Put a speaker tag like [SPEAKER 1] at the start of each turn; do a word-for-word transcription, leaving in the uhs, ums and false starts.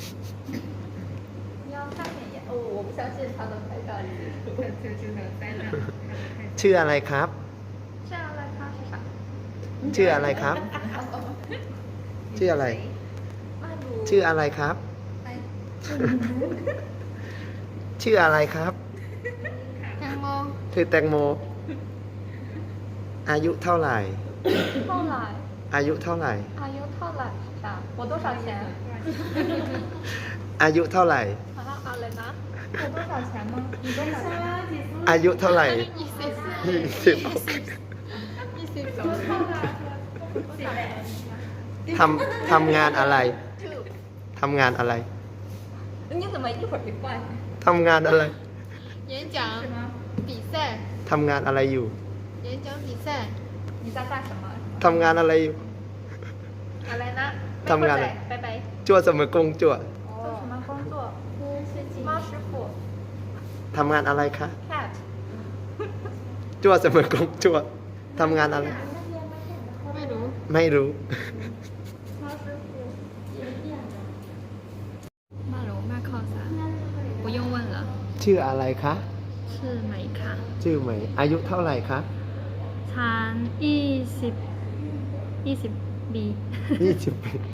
[SPEAKER 1] 要看美颜哦，我不相信他能拍到你。
[SPEAKER 2] ชื่ออะไรครับ
[SPEAKER 1] 这样来他是啥？
[SPEAKER 2] ชื่ออะไรครับ ชื่ออะไร
[SPEAKER 1] 曼谷。
[SPEAKER 2] ชื่ออะไรครับ ชื่ออะไรครับ
[SPEAKER 1] แตงโม
[SPEAKER 2] ชื่อแตงโม อายุเท่าไหร่
[SPEAKER 1] เท่าไหร่
[SPEAKER 2] อายุเท่าไหร่
[SPEAKER 1] อายุเท่าไหร่啥我多少钱
[SPEAKER 2] อายุเท่าไหร่
[SPEAKER 1] 好像อะไรนะ我多少钱吗你多少钱
[SPEAKER 2] อายุเท่าไหร่
[SPEAKER 1] ยี่สิบ
[SPEAKER 2] ยี่สิบ
[SPEAKER 1] ยี่สิบสอง
[SPEAKER 2] ทำทำงานอะไร ทำงานอะไร
[SPEAKER 1] 你怎么一会儿就换
[SPEAKER 2] ทำงานอะไร
[SPEAKER 1] 演讲比赛
[SPEAKER 2] ทำงานอะไรอยู่
[SPEAKER 1] 演讲比赛你在干什么
[SPEAKER 2] ทำงานอะไรอยู่
[SPEAKER 1] อะไรนะ
[SPEAKER 2] ทำงานอะไร
[SPEAKER 1] 拜拜
[SPEAKER 2] จั่วเสมอกงจั่ว
[SPEAKER 1] 做什么工作猫师傅
[SPEAKER 2] ทำงานอะไรคะ
[SPEAKER 1] cat
[SPEAKER 2] จั่วเสมอกงจั่วทำงานอะไร
[SPEAKER 1] ไม่รู้
[SPEAKER 2] ไม่รู้
[SPEAKER 1] ไม่รู้ไม่เข้าใจ不用问了
[SPEAKER 2] ชื่ออะไรคะ
[SPEAKER 1] 是美卡
[SPEAKER 2] ชื่อไหม อายุเท่าไหร่คะ
[SPEAKER 1] ฉันยี่สิบยี่สิบปี
[SPEAKER 2] ยี่สิบปี